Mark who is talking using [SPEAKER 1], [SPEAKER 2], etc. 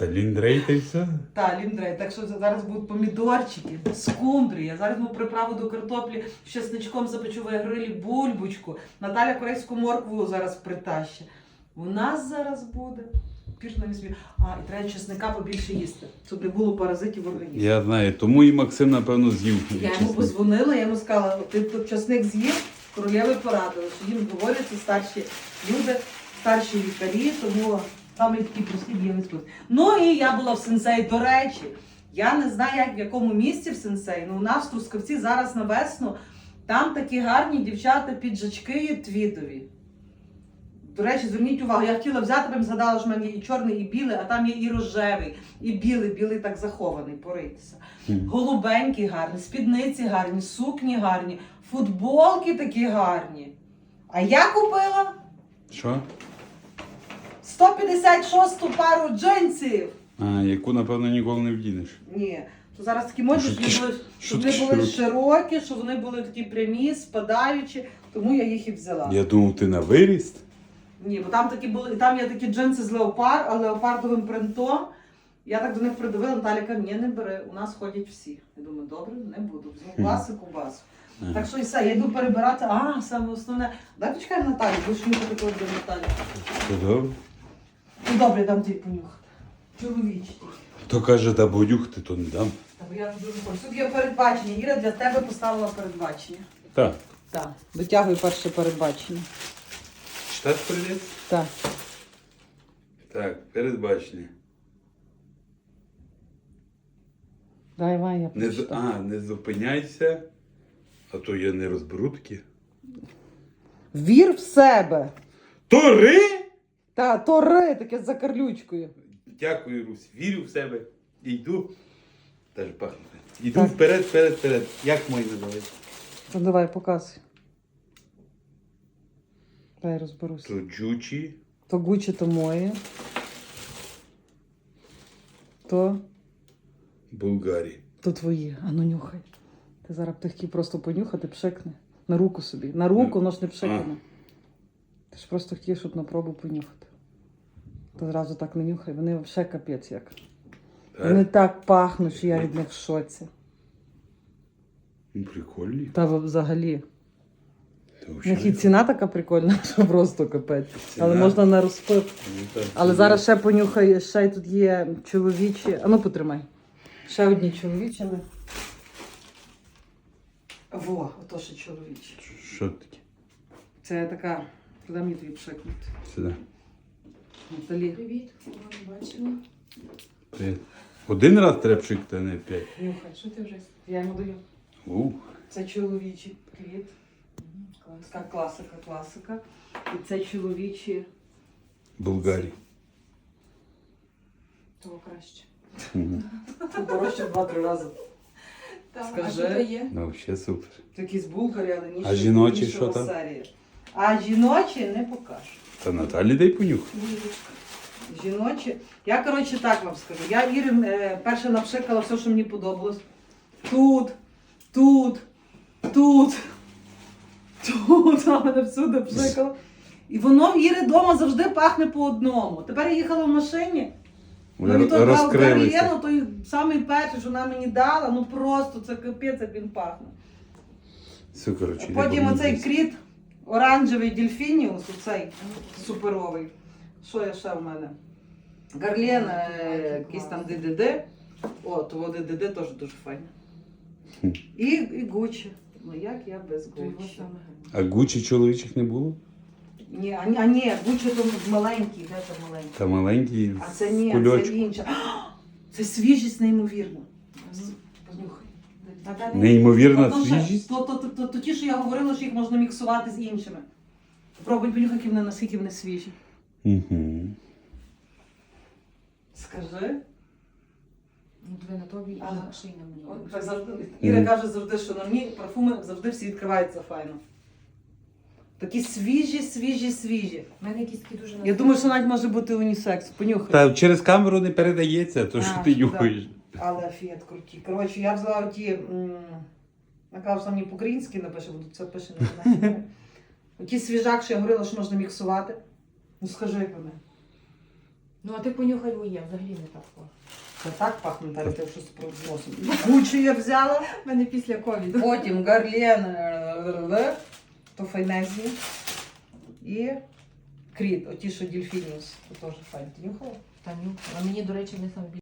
[SPEAKER 1] Та ліндрей та й все.
[SPEAKER 2] Та, ліндрей. Так що зараз будуть помідорчики, скумбрія. Зараз ми приправу до картоплі з чесничком запечу в грилі, бульбочку. Наталя корейську моркву зараз притащить. У нас зараз буде. Пірно не смію. І треба чесника побільше їсти, щоб не було паразитів в організмі.
[SPEAKER 1] Я знаю, тому і Максим, напевно, з'їв.
[SPEAKER 2] Я йому позвонила, я йому сказала, ти тут чесник з'їв, королеви порадили, що їм говорять ці старші люди, старші лікарі, тому саме такі прості дієві спосіб. Ну і я була в Сенсей, до речі, я не знаю, як в якому місці в Сенсей, але у нас в Трускавці зараз на весну, там такі гарні дівчата піджачки є твідові. До речі, зверніть увагу, я хотіла взяти, бо згадала, що в мене є і чорний, і білий, а там є і рожевий, і білий так захований, поритися. Голубенькі гарні, спідниці гарні, сукні гарні, футболки такі гарні. А я купила
[SPEAKER 1] Що?
[SPEAKER 2] 156-ту пару джинсів.
[SPEAKER 1] Яку, напевно, ніколи не вдінеш.
[SPEAKER 2] Ні, то зараз такі модні, щоб вони були широкі, щоб вони були такі прямі, спадаючі, тому я їх і взяла.
[SPEAKER 1] Я думав, ти на виріст.
[SPEAKER 2] Ні, бо там такі були, там є такі джинси з леопардовим принтом. Я так до них придивила, Наталя каже, ні, не бери, у нас ходять всі. Я думаю, добре, не буду. Візьму класику, басу. Так що і все, я йду перебирати, саме основне. Дай почекай Наталі, бо ж нюхати коли до Наталі.
[SPEAKER 1] Все добре.
[SPEAKER 2] Ну добре, дам тобі понюхати. Чоловічий.
[SPEAKER 1] Хто каже, да бодюхти, то не дам.
[SPEAKER 2] Бо я дуже хочу. Тут є передбачення. Іра для тебе поставила передбачення.
[SPEAKER 1] Так.
[SPEAKER 2] Так. Витягую перше передбачення.
[SPEAKER 1] Читати привіт?
[SPEAKER 2] Так.
[SPEAKER 1] Так, передбачення.
[SPEAKER 2] Дай, Ваня, я прочитаю.
[SPEAKER 1] Не зупиняйся, а то я не розберу такі.
[SPEAKER 2] Вір в себе.
[SPEAKER 1] Тори!
[SPEAKER 2] Та, тори, таке з закарлючкою.
[SPEAKER 1] Дякую, Русь. Вірю в себе. І йду. Теж пахне. Йду
[SPEAKER 2] Так.
[SPEAKER 1] вперед. Як мої називається?
[SPEAKER 2] Ну давай, показуй. Дай розберуся.
[SPEAKER 1] То джучі.
[SPEAKER 2] То Гуччі, то моє. То
[SPEAKER 1] Булгарі.
[SPEAKER 2] твої. Ну нюхай. Ти зараз б хотів просто понюхати, пшикне. На руку собі. На руку, воно ж не пшикне. Ти ж просто хотів, щоб на пробу понюхати. То зразу так не нюхай. Вони взагалі капець як. Вони так пахнуть, що я від них в шоці.
[SPEAKER 1] Прикольні.
[SPEAKER 2] Та взагалі.
[SPEAKER 1] Та
[SPEAKER 2] У них і ціна така прикольна, що просто капець.
[SPEAKER 1] Ціна?
[SPEAKER 2] Але можна на розпив.
[SPEAKER 1] Ну,
[SPEAKER 2] Але зараз ще понюхай, ще тут є чоловічі. А ну потримай. Ще одні чоловічі. Во, ото ще чоловічі.
[SPEAKER 1] Що таке?
[SPEAKER 2] Це така, куди мені тобі пшикнути?
[SPEAKER 1] Сюди.
[SPEAKER 2] Наталі.
[SPEAKER 3] Привіт, бачила.
[SPEAKER 1] Привіт. Один раз треба пшикати, а не 5.
[SPEAKER 2] Нюхай.
[SPEAKER 3] Що ти вже?
[SPEAKER 2] Я йому даю. Це чоловічий квіт. Така класика. І це чоловічі.
[SPEAKER 1] Булгарі.
[SPEAKER 3] Того краще.
[SPEAKER 2] Це дорожче в 2-3 рази.
[SPEAKER 3] Так,
[SPEAKER 2] Скажи.
[SPEAKER 3] а що то є?
[SPEAKER 1] Ну, взагалі супер.
[SPEAKER 2] Це якісь булгари, але ніж.
[SPEAKER 1] А жіночі що там?
[SPEAKER 2] А жіночі не покажу.
[SPEAKER 1] Та Наталі дай понюх.
[SPEAKER 3] Булочка.
[SPEAKER 2] Жіночі. Я, коротше, так вам скажу. Я Ірі перше напшикала все, що мені подобалось. Тут. А мене всюди пшикала. І воно в Іри вдома завжди пахне по одному. Тепер я їхала в машині.
[SPEAKER 1] Вони
[SPEAKER 2] то
[SPEAKER 1] розкрилися.
[SPEAKER 2] Гарлєну, той самий перший, що вона мені дала, ну просто це капець, як він пахне.
[SPEAKER 1] Все, коротше.
[SPEAKER 2] А потім оцей кріт, оранжевий дельфініус, оцей суперовий. Що є ще в мене? Гарлен, якийсь там ДДД. О, того ДДД теж дуже файне. І Гуччі. Ну як я без
[SPEAKER 3] То його
[SPEAKER 2] Гуччі?
[SPEAKER 3] саме
[SPEAKER 1] А
[SPEAKER 3] гарне.
[SPEAKER 1] Гуччі чоловічих не було?
[SPEAKER 2] Ні, Гуччі то маленький, де це маленький?
[SPEAKER 1] Та маленький
[SPEAKER 2] А це
[SPEAKER 1] в
[SPEAKER 2] ні, це
[SPEAKER 1] кульочку.
[SPEAKER 2] інше. Це свіжість неймовірна. Понюхай.
[SPEAKER 1] Неймовірна
[SPEAKER 2] То
[SPEAKER 1] свіжість.
[SPEAKER 2] То ті, що я говорила, що їх можна міксувати з іншими. Пробуй понюхай, наскільки вони свіжі.
[SPEAKER 1] Угу.
[SPEAKER 2] Скажи.
[SPEAKER 3] Ну, диви на тобі і
[SPEAKER 2] Ага.
[SPEAKER 3] ще й на мені.
[SPEAKER 2] От так завжди. Іра каже завжди, що на мені парфуми завжди всі відкриваються файно. Такі свіжі.
[SPEAKER 3] У мене якісь такі дуже
[SPEAKER 2] Я думаю, що навіть може бути унісекс. Понюхай.
[SPEAKER 1] Та через камеру не передається, то що ти
[SPEAKER 2] да.
[SPEAKER 1] нюхаєш.
[SPEAKER 2] Але фіат круті. Коротше, я взяла ті, я кажу, що мені по-українськи напише, бо тут це пише не знаю. Ті свіжак, що я говорила, що можна міксувати. Ну скажи як вони.
[SPEAKER 3] Ну, а ти понюхай моє, взагалі не так.
[SPEAKER 2] Це так пахне, Наталя, ти щось про носом. Гучі я взяла.
[SPEAKER 3] У мене після ковіду.
[SPEAKER 2] Потім Гарлен, то Файнезі. І Кріт, оті, що Дільфініус, то теж файн. Ти нюхала?
[SPEAKER 3] Таню. А мені, до речі, не сам